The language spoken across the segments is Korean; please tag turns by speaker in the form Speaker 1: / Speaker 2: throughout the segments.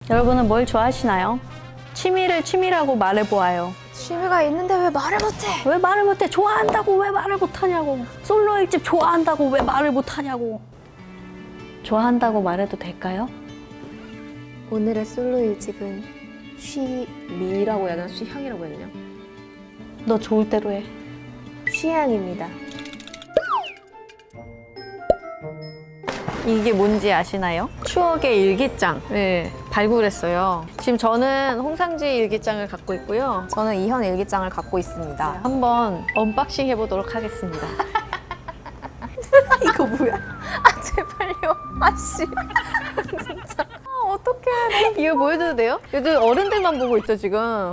Speaker 1: 여러분은 뭘 좋아하시나요? 취미를 취미라고 말해보아요.
Speaker 2: 취미가 있는데 왜 말을 못해?
Speaker 1: 왜 말을 못해? 좋아한다고 왜 말을 못하냐고. 솔로 일집 좋아한다고 왜 말을 못하냐고. 좋아한다고 말해도 될까요?
Speaker 2: 오늘의 솔로 일집은 쉬미라고 해야 되나? 쉬향이라고 해야 되냐?
Speaker 1: 너 좋을 대로 해.
Speaker 2: 쉬향입니다.
Speaker 1: 이게 뭔지 아시나요? 추억의 일기장을 발굴했어요. 지금 저는 홍상지 일기장을 갖고 있고요.
Speaker 2: 저는 이현 일기장을 갖고 있습니다.
Speaker 1: 한번 언박싱 해보도록 하겠습니다.
Speaker 2: 이거 뭐야? 아 제발요. 아씨. 진짜. 아 어떡해.
Speaker 1: 이거 보여줘도 돼요? 요즘 어른들만 보고 있죠 지금.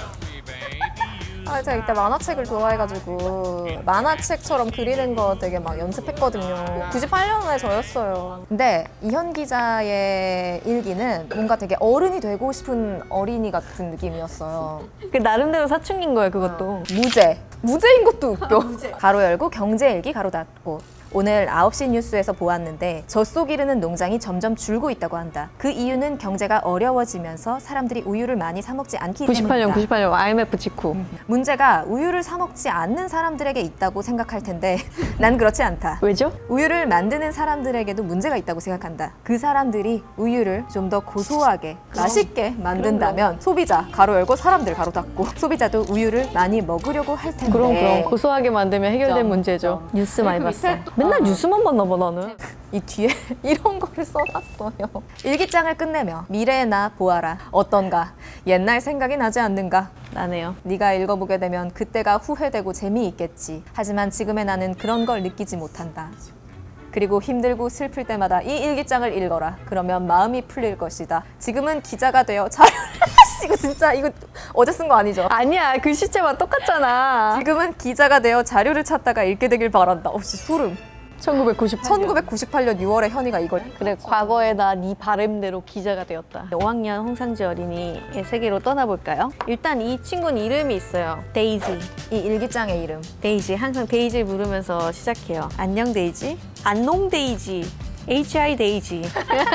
Speaker 2: 아 제가 이때 만화책을 좋아해가지고 만화책처럼 그리는 거 되게 막 연습했거든요. 98년에 저였어요. 근데 이현 기자의 일기는 뭔가 되게 어른이 되고 싶은 어린이 같은 느낌이었어요.
Speaker 1: 그 나름대로 사춘기인 거예요 그것도.
Speaker 2: 무죄인 것도 웃겨. 가로 열고 경제일기 가로 닫고. 오늘 9시 뉴스에서 보았는데 젖소 기르는 농장이 점점 줄고 있다고 한다. 그 이유는 경제가 어려워지면서 사람들이 우유를 많이 사 먹지 않기 때문이다.
Speaker 1: 98년 IMF 직후.
Speaker 2: 문제가 우유를 사 먹지 않는 사람들에게 있다고 생각할 텐데 난 그렇지 않다.
Speaker 1: 왜죠?
Speaker 2: 우유를 만드는 사람들에게도 문제가 있다고 생각한다. 그 사람들이 우유를 좀 더 고소하게 맛있게 만든다면 소비자 가로 열고 사람들 가로 닫고 소비자도 우유를 많이 먹으려고 할 텐데.
Speaker 1: 그럼 고소하게 만들면 해결된
Speaker 2: 점,
Speaker 1: 문제죠.
Speaker 2: 점.
Speaker 1: 뉴스 많이 봤어. 맨날 뉴스만 봤나 봐 나는.
Speaker 2: 이 뒤에 이런 거를 써놨어요. 일기장을 끝내며 미래나 보아라. 어떤가? 옛날 생각이 나지 않는가?
Speaker 1: 나네요.
Speaker 2: 네가 읽어보게 되면 그때가 후회되고 재미있겠지. 하지만 지금의 나는 그런 걸 느끼지 못한다. 그리고 힘들고 슬플 때마다 이 일기장을 읽어라. 그러면 마음이 풀릴 것이다. 지금은 기자가 되어 자료를 이거 진짜 이거 어제 쓴 거 아니죠?
Speaker 1: 아니야 그 시체와 똑같잖아.
Speaker 2: 지금은 기자가 되어 자료를 찾다가 읽게 되길 바란다. 없이 소름. 1998년 6월에 현이가 이걸.
Speaker 1: 그래 과거에 나 네 바램대로 기자가 되었다. 5학년 홍상지 어린이의 세계로 떠나볼까요? 일단 이 친구는 이름이 있어요. 데이지.
Speaker 2: 이 일기장의 이름.
Speaker 1: 데이지. 항상 데이지를 부르면서 시작해요. 안녕 데이지. 안농 데이지. HI 데이지.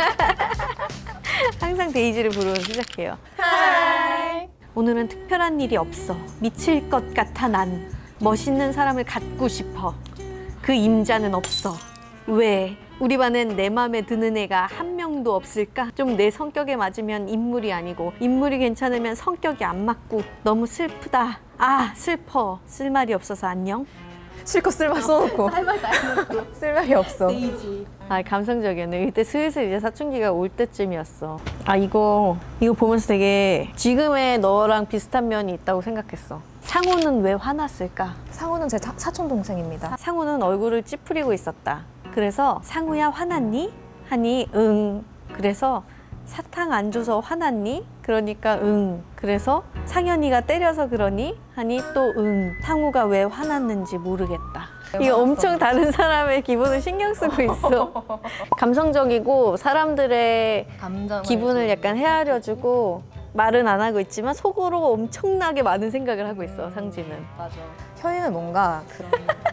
Speaker 1: 항상 데이지를 부르면서 시작해요. 하이. 오늘은 특별한 일이 없어. 미칠 것 같아 난. 멋있는 사람을 갖고 싶어. 그 임자는 없어. 왜? 우리 반엔 내 맘에 드는 애가 한 명도 없을까? 좀 내 성격에 맞으면 인물이 아니고 인물이 괜찮으면 성격이 안 맞고 너무 슬프다. 아 슬퍼. 쓸 말이 없어서 안녕.
Speaker 2: 실컷 쓸말 써놓고 쓸 말이 없어.
Speaker 1: 아 감성적이었네. 이때 슬슬 이제 사춘기가 올 때쯤이었어. 아 이거 보면서 되게 지금의 너랑 비슷한 면이 있다고 생각했어. 상우는 왜 화났을까?
Speaker 2: 상우는 제 사촌 동생입니다.
Speaker 1: 상우는 얼굴을 찌푸리고 있었다. 그래서 상우야 화났니? 하니 응. 그래서 사탕 안 줘서 화났니? 그러니까 응. 그래서 상현이가 때려서 그러니? 하니 또 응. 상우가 왜 화났는지 모르겠다. 이거 엄청 다른 사람의 기분을 신경 쓰고 있어. 감성적이고 사람들의 기분을 약간 헤아려주고 말은 안 하고 있지만 속으로 엄청나게 많은 생각을 하고 있어 상지는.
Speaker 2: 맞아. 현이는 뭔가 그런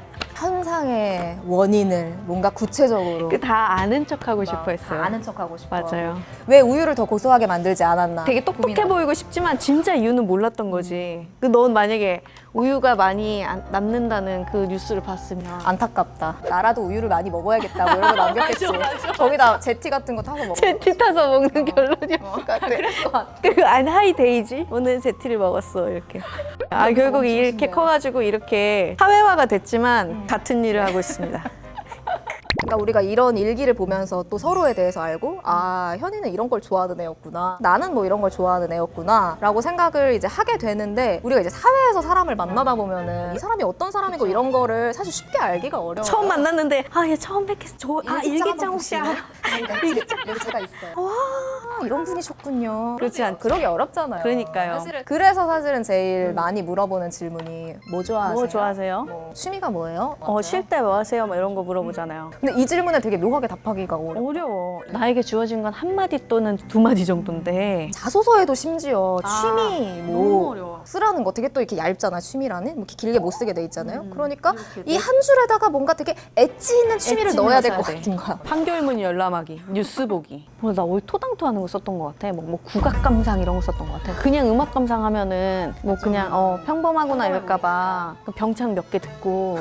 Speaker 2: 현상의 원인을 뭔가 구체적으로
Speaker 1: 다 아는 척하고 싶어 했어요.
Speaker 2: 아는 척하고 싶어.
Speaker 1: 맞아요.
Speaker 2: 왜 우유를 더 고소하게 만들지 않았나.
Speaker 1: 되게 똑똑해 보이고 싶지만 진짜 이유는 몰랐던 거지. 넌 만약에 우유가 많이 남는다는 그 뉴스를 봤으면
Speaker 2: 안타깝다. 나라도 우유를 많이 먹어야겠다. 뭐 이런 거 남겼겠지. 거기다 제티 같은 거 타서 먹어.
Speaker 1: 제티 타서 먹는 결론이었을 것 같아.
Speaker 2: 그랬을 것 같아.
Speaker 1: 그 하이 데이지 오늘 제티를 먹었어 이렇게. 아 결국 이렇게 커가지고 이렇게 사회화가 됐지만 같은 일을 하고 있습니다.
Speaker 2: 그러니까 우리가 이런 일기를 보면서 또 서로에 대해서 알고 아 현이는 이런 걸 좋아하는 애였구나 나는 뭐 이런 걸 좋아하는 애였구나 라고 생각을 이제 하게 되는데 우리가 이제 사회에서 사람을 만나다 보면은 이 사람이 어떤 사람이고 이런 거를 사실 쉽게 알기가 어려워요.
Speaker 1: 처음 만났는데 얘 처음 뵙겠어. 일기장 혹시 알아?
Speaker 2: 일기장 여기 제가 있어요. 와 이런 분이셨군요.
Speaker 1: 그렇지 않죠.
Speaker 2: 그러기 어렵잖아요.
Speaker 1: 그러니까요.
Speaker 2: 그래서 사실은 제일 많이 물어보는 질문이 뭐 좋아하세요?
Speaker 1: 뭐 좋아하세요?
Speaker 2: 뭐 취미가 뭐예요?
Speaker 1: 쉴 때 뭐 하세요? 뭐 이런 거 물어보잖아요.
Speaker 2: 근데 이 질문에 되게 묘하게 답하기가
Speaker 1: 어려워. 나에게 주어진 건 한 마디 또는 두 마디 정도인데
Speaker 2: 자소서에도 심지어 취미
Speaker 1: 너무
Speaker 2: 뭐
Speaker 1: 어려워.
Speaker 2: 쓰라는 거 되게 또 이렇게 얇잖아 취미라는 뭐 이렇게 길게 못 쓰게 돼 있잖아요. 그러니까 이 한 줄에다가 뭔가 되게 엣지 있는 취미를
Speaker 1: 엣지
Speaker 2: 넣어야
Speaker 1: 있는
Speaker 2: 될
Speaker 1: 거
Speaker 2: 것
Speaker 1: 써야 돼.
Speaker 2: 같은 거야.
Speaker 1: 판결문 열람하기, 뉴스 보기. 나 오늘 토당토하는 거 거 썼던 것 같아. 뭐 국악 감상 이런 거 썼던 것 같아. 그냥 음악 감상하면은 뭐 그냥 평범하구나 이럴까봐 병창 몇 개 듣고.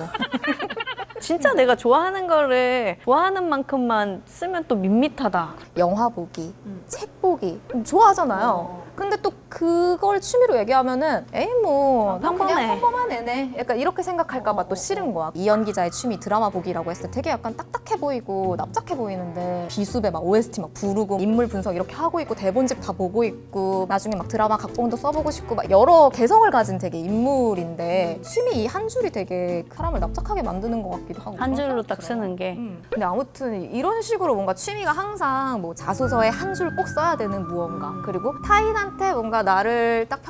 Speaker 1: 진짜 내가 좋아하는 거를 좋아하는 만큼만 쓰면 또 밋밋하다.
Speaker 2: 영화 보기, 책 보기 좋아하잖아요. 근데 또 그걸 취미로 얘기하면은 에이 뭐 나
Speaker 1: 평범해.
Speaker 2: 그냥 평범한 애네 약간 이렇게 생각할까 봐 또 싫은 거야. 이연 기자의 취미 드라마 보기라고 했을 때 되게 약간 딱딱해 보이고 납작해 보이는데 비수배 막 OST 막 부르고 인물 분석 이렇게 하고 있고 대본집 다 보고 있고 나중에 막 드라마 각본도 써보고 싶고 막 여러 개성을 가진 되게 인물인데 취미 이 한 줄이 되게 사람을 납작하게 만드는 것 같기도 하고
Speaker 1: 한
Speaker 2: 그런
Speaker 1: 줄로
Speaker 2: 생각이
Speaker 1: 딱
Speaker 2: 들어요.
Speaker 1: 쓰는 게.
Speaker 2: 근데 아무튼 이런 식으로 뭔가 취미가 항상 뭐 자소서에 한 줄 꼭 써야 되는 무언가 그리고 타인한테 뭔가 나를 딱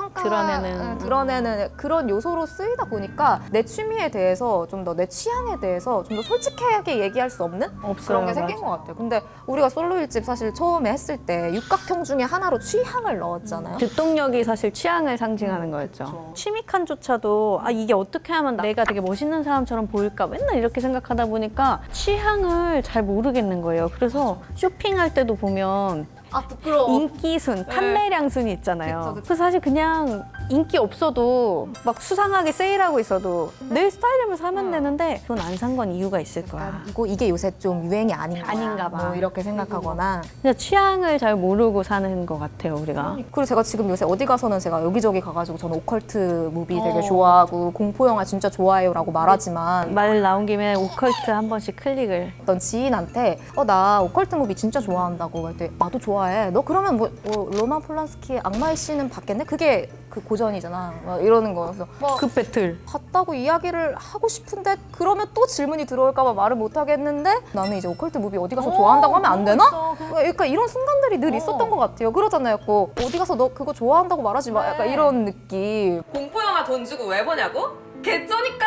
Speaker 2: 드러내는 그런 요소로 쓰이다 보니까 내 취미에 대해서 좀 더 내 취향에 대해서 좀 더 솔직하게 얘기할 수 없는
Speaker 1: 없어요,
Speaker 2: 그런 게 생긴
Speaker 1: 맞아.
Speaker 2: 것 같아요. 근데 우리가 솔로 일집 사실 처음에 했을 때 육각형 중에 하나로 취향을 넣었잖아요.
Speaker 1: 뒷동력이 사실 취향을 상징하는 거였죠. 취미 칸조차도 이게 어떻게 하면 내가 되게 멋있는 사람처럼 보일까 맨날 이렇게 생각하다 보니까 취향을 잘 모르겠는 거예요. 그래서 쇼핑할 때도 보면
Speaker 2: 아 부끄러워.
Speaker 1: 인기순, 판매량 순이 있잖아요.
Speaker 2: 그쵸, 그쵸.
Speaker 1: 그래서 사실 그냥 인기 없어도 막 수상하게 세일하고 있어도 내 스타일이면 사면 되는데 그건 안 산 건 이유가 있을 거야.
Speaker 2: 이게 요새 좀 유행이 아닌가
Speaker 1: 봐.
Speaker 2: 뭐 이렇게 생각하거나
Speaker 1: 그냥 취향을 잘 모르고 사는 것 같아요, 우리가.
Speaker 2: 그리고 제가 지금 요새 어디 가서는 제가 여기저기 가가지고 저는 오컬트 무비 되게 좋아하고 공포 영화 진짜 좋아해요라고 말하지만
Speaker 1: 말 나온 김에 오컬트 한 번씩 클릭을.
Speaker 2: 어떤 지인한테 나 오컬트 무비 진짜 좋아한다고 할 때 나도 좋아해. 너 그러면 뭐 로만 폴란스키의 악마의 씨는 봤겠네? 그게 그 고전이잖아. 막 이러는 거. 그래서
Speaker 1: 그 배틀.
Speaker 2: 봤다고 이야기를 하고 싶은데 그러면 또 질문이 들어올까 봐 말을 못 하겠는데 나는 이제 오컬트 무비 어디 가서 좋아한다고 하면 안 되나? 그러니까 이런 순간들이 늘 있었던 것 같아요. 그러잖아요. 어디 가서 너 그거 좋아한다고 말하지 마. 약간 이런 느낌.
Speaker 3: 공포영화 돈 주고 왜 보냐고? 개쩌니까.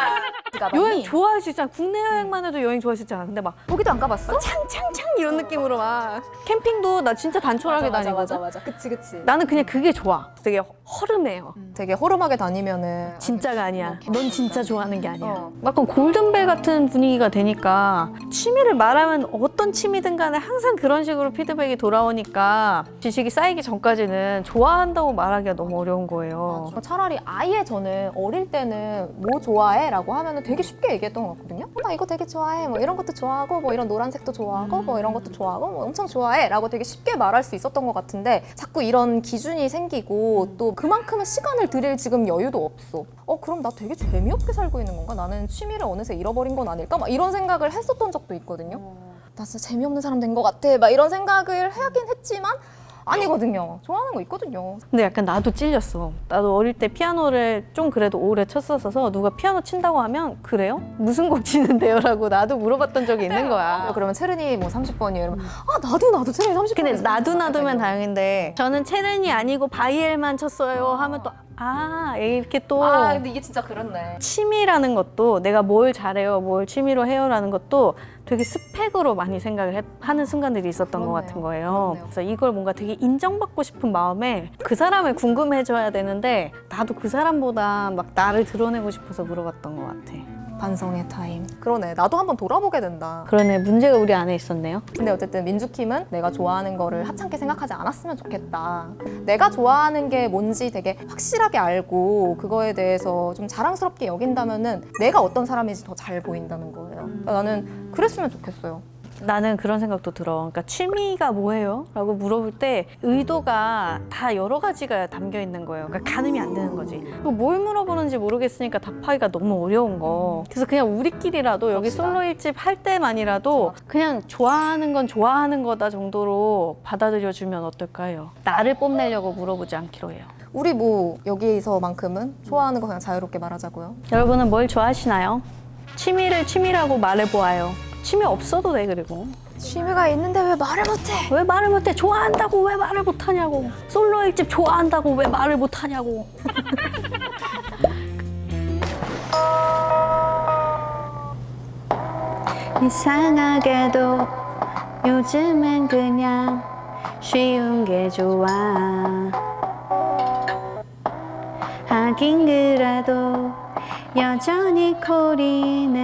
Speaker 1: 여행 좋아하시잖아. 국내 여행만 해도 여행 좋아하시잖아. 근데 막
Speaker 2: 거기도 안 가봤어?
Speaker 1: 창창창 이런 느낌으로 막 캠핑도 나 진짜 단촐하게 다니거든.
Speaker 2: 맞아. 그치.
Speaker 1: 나는 그냥 그게 좋아. 되게 허름해요.
Speaker 2: 되게 허름하게 다니면은
Speaker 1: 진짜가 아니야. 넌 진짜 좋아하는 게 아니야.
Speaker 2: 어.
Speaker 1: 약간 골든벨 같은 분위기가 되니까 취미를 말하면 어떤 취미든 간에 항상 그런 식으로 피드백이 돌아오니까 지식이 쌓이기 전까지는 좋아한다고 말하기가 너무 어려운 거예요.
Speaker 2: 차라리 아예 저는 어릴 때는 뭐 좋아해? 라고 하면은 되게 쉽게 얘기했던 것 같거든요. 나 이거 되게 좋아해. 뭐 이런 것도 좋아하고 뭐 이런 노란색도 좋아하고 뭐 이런 것도 좋아하고 뭐 엄청 좋아해. 라고 되게 쉽게 말할 수 있었던 것 같은데 자꾸 이런 기준이 생기고 또 그만큼의 시간을 들일 지금 여유도 없어. 그럼 나 되게 재미없게 살고 있는 건가? 나는 취미를 어느새 잃어버린 건 아닐까? 막 이런 생각을 했었던 적도 있거든요. 나 진짜 재미없는 사람 된 것 같아. 막 이런 생각을 하긴 했지만 아니거든요. 좋아하는 거 있거든요.
Speaker 1: 근데 약간 나도 찔렸어. 나도 어릴 때 피아노를 좀 그래도 오래 쳤었어서 누가 피아노 친다고 하면 그래요? 무슨 곡 치는데요? 라고 나도 물어봤던 적이 있는 거야.
Speaker 2: 그러면 체르니 뭐 30번이에요. 이러면 나도 체르니 30번.
Speaker 1: 근데 놔두면 다행인데 저는 체른이 아니고 바이엘만 쳤어요 하면 또 이렇게 또
Speaker 2: 근데 이게 진짜 그렇네.
Speaker 1: 취미라는 것도 내가 뭘 잘해요, 뭘 취미로 해요라는 것도 되게 스펙으로 많이 생각을 하는 순간들이 있었던 것
Speaker 2: 그렇네요.
Speaker 1: 같은 거예요.
Speaker 2: 그렇네요.
Speaker 1: 그래서 이걸 뭔가 되게 인정받고 싶은 마음에 그 사람을 궁금해져야 되는데 나도 그 사람보다 막 나를 드러내고 싶어서 물어봤던 것 같아.
Speaker 2: 반성의 타임. 그러네. 나도 한번 돌아보게 된다.
Speaker 1: 그러네, 문제가 우리 안에 있었네요.
Speaker 2: 근데 어쨌든 민주킴은 내가 좋아하는 거를 하찮게 생각하지 않았으면 좋겠다. 내가 좋아하는 게 뭔지 되게 확실하게 알고 그거에 대해서 좀 자랑스럽게 여긴다면은 내가 어떤 사람인지 더 잘 보인다는 거예요. 그러니까 나는 그랬으면 좋겠어요.
Speaker 1: 나는 그런 생각도 들어. 그러니까 취미가 뭐예요? 라고 물어볼 때 의도가 다 여러 가지가 담겨 있는 거예요. 그러니까 가늠이 안 되는 거지. 뭘 물어보는지 모르겠으니까 답하기가 너무 어려운 거. 그래서 그냥 우리끼리라도 여기
Speaker 2: 그럽시다.
Speaker 1: 솔로 일집 할 때만이라도 그냥 좋아하는 건 좋아하는 거다 정도로 받아들여주면 어떨까요? 나를 뽐내려고 물어보지 않기로 해요.
Speaker 2: 우리 뭐 여기서만큼은 좋아하는 거 그냥 자유롭게 말하자고요.
Speaker 1: 여러분은 뭘 좋아하시나요? 취미를 취미라고 말해보아요. 취미 없어도 돼. 그리고
Speaker 2: 취미가 있는데 왜 말을 못해?
Speaker 1: 왜 말을 못해? 좋아한다고 왜 말을 못하냐고. 솔로 일집 좋아한다고 왜 말을 못하냐고. 이상하게도 요즘엔 그냥 쉬운 게 좋아. 하긴 그래도 여전히 코린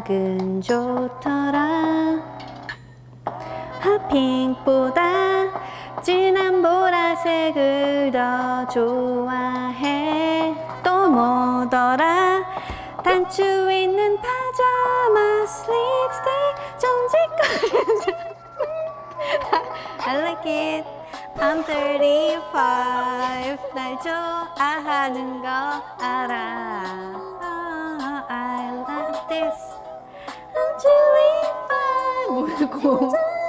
Speaker 1: 음악은 좋더라. 핫핑보다 진한 보라색을 더 좋아해. 또 뭐더라? 단추 있는 파자마 립스틱 좀 짓거리는 I like it. I'm 35. 날 좋아하는 거 알아. I like this. I'm 25. 뭐고?